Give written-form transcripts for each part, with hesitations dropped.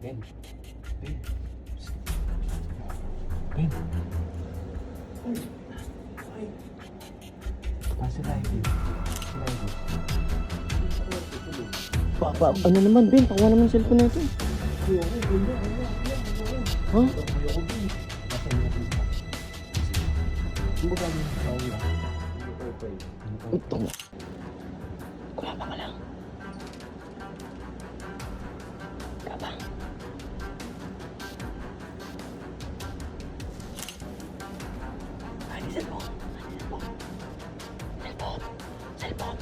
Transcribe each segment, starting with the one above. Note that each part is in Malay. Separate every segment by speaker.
Speaker 1: Ben. Ben. Ben. Ay. Sila Ivy. Sila Ivy.
Speaker 2: Ano naman, Ben? Pakuha naman yung cellphone na ito. Ha? Ito mo. Kumapa ka lang. Kapang. Ay, cellphone. Cellphone.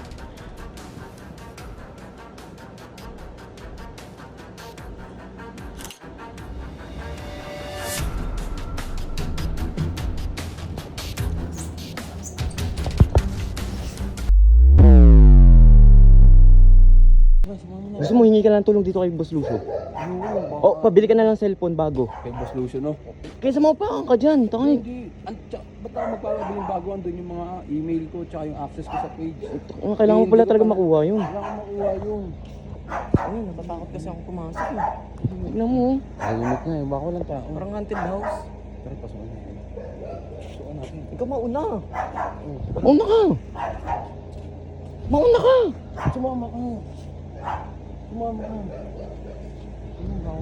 Speaker 2: Gusto mo hingi ka lang tulong dito kay Boss Lucio? O, pabili ka na lang cellphone bago.
Speaker 1: Kay Boss Lucio, no?
Speaker 2: Kaysa maupakan ka dyan, tangay.
Speaker 1: Hindi. Ba't ako magpapabiling bago? Andun yung mga email ko tsaka yung access ko sa page.
Speaker 2: Kailangan mo pala talaga makuha yun.
Speaker 1: Kailangan makuha yun.
Speaker 3: Ay, natatakot kasi ako pumasok eh.
Speaker 2: Tignan mo.
Speaker 1: Kalimot nga eh. Baka walang tao.
Speaker 3: Parang haunted house.
Speaker 1: Pero pasukan natin. Pasukan natin.
Speaker 3: Ikaw mauna.
Speaker 2: Mauna ka! Mauna ka!
Speaker 1: Sumama ka. Sumama ka. Ano ba?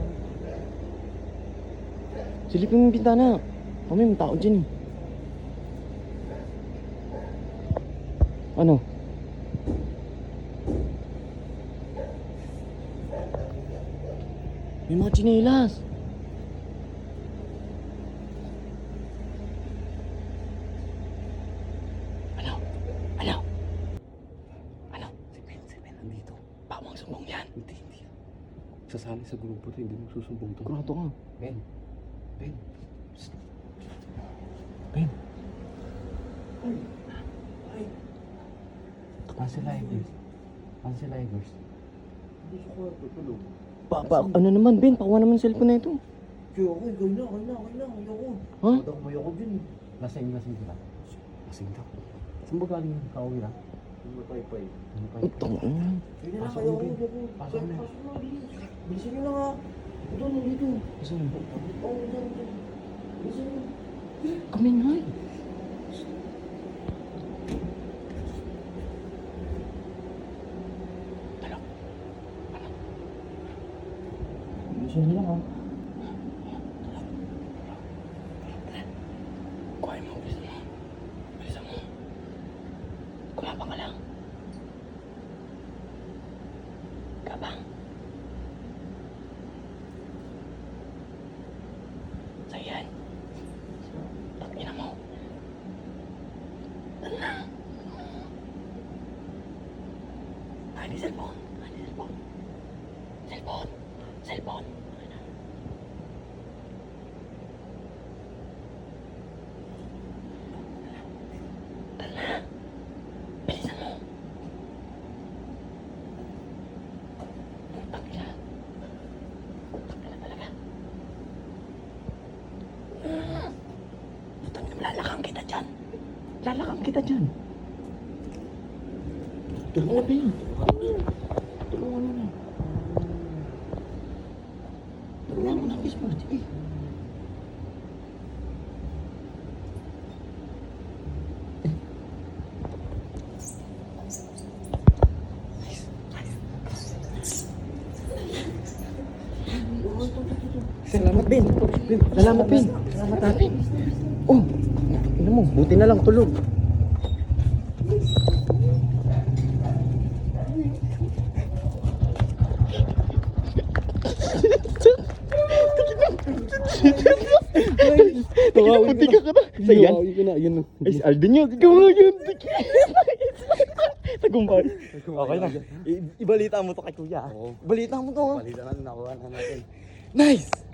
Speaker 2: Silipin mo yung bintana. Kami, may tao dyan eh. Ano? May mga tsinelas. Ano? Ano? Ano?
Speaker 1: Si Ben, nandito.
Speaker 2: Bawang sumbong yan.
Speaker 1: Hindi. Sasali sa grupo to, hindi mo susumbong to.
Speaker 2: Kurado ka.
Speaker 1: Ben. Psst. Ben. Ay. Cancel Ivers. Cancel Ivers. Hindi sa kwarto, tulog.
Speaker 2: Ano naman, Ben? Pakuha naman yung cellphone na ito.
Speaker 1: Kaya ako, ayoko.
Speaker 2: Ha?
Speaker 1: Ayoko dyan eh. Lasing sila. Lasing daw. Saan ba galing yung kauwi na? Yung matay-pay.
Speaker 2: Ito.
Speaker 1: Hindi na kayo ako. Pasok na. Bilisan nyo na nga. Ito, nandito.
Speaker 2: Saan?
Speaker 1: Oo, dyan. Bilisan nyo.
Speaker 2: Kami nga eh.
Speaker 1: Bilisan nyo lang ha.
Speaker 2: Kuhain mo, bilisan mo. Bilisan mo. Kumapa ka lang. Kapang. Sayan. Takina mo. Ano na? Ay, cellphone. Cellphone. Bilisan mo. Takina talaga. Takina mo, lalakang kita dyan. Tulungan na ba yun? Tulungan mo na. Tulungan mo na, Kismart. Eh. Salamat, Ben. Salamat, Ben. Oh, ina mo, buti na lang tulog. Buti ka ka na. Sayan?
Speaker 1: Yun.
Speaker 2: Ay, si Alden yun. Ikaw nga yun. Tagumpay. Okay na. Ibalita mo to kay Kuya.
Speaker 1: Oo.
Speaker 2: Ibalita mo to.
Speaker 1: Balita natin, nakuha na natin.
Speaker 2: Nice!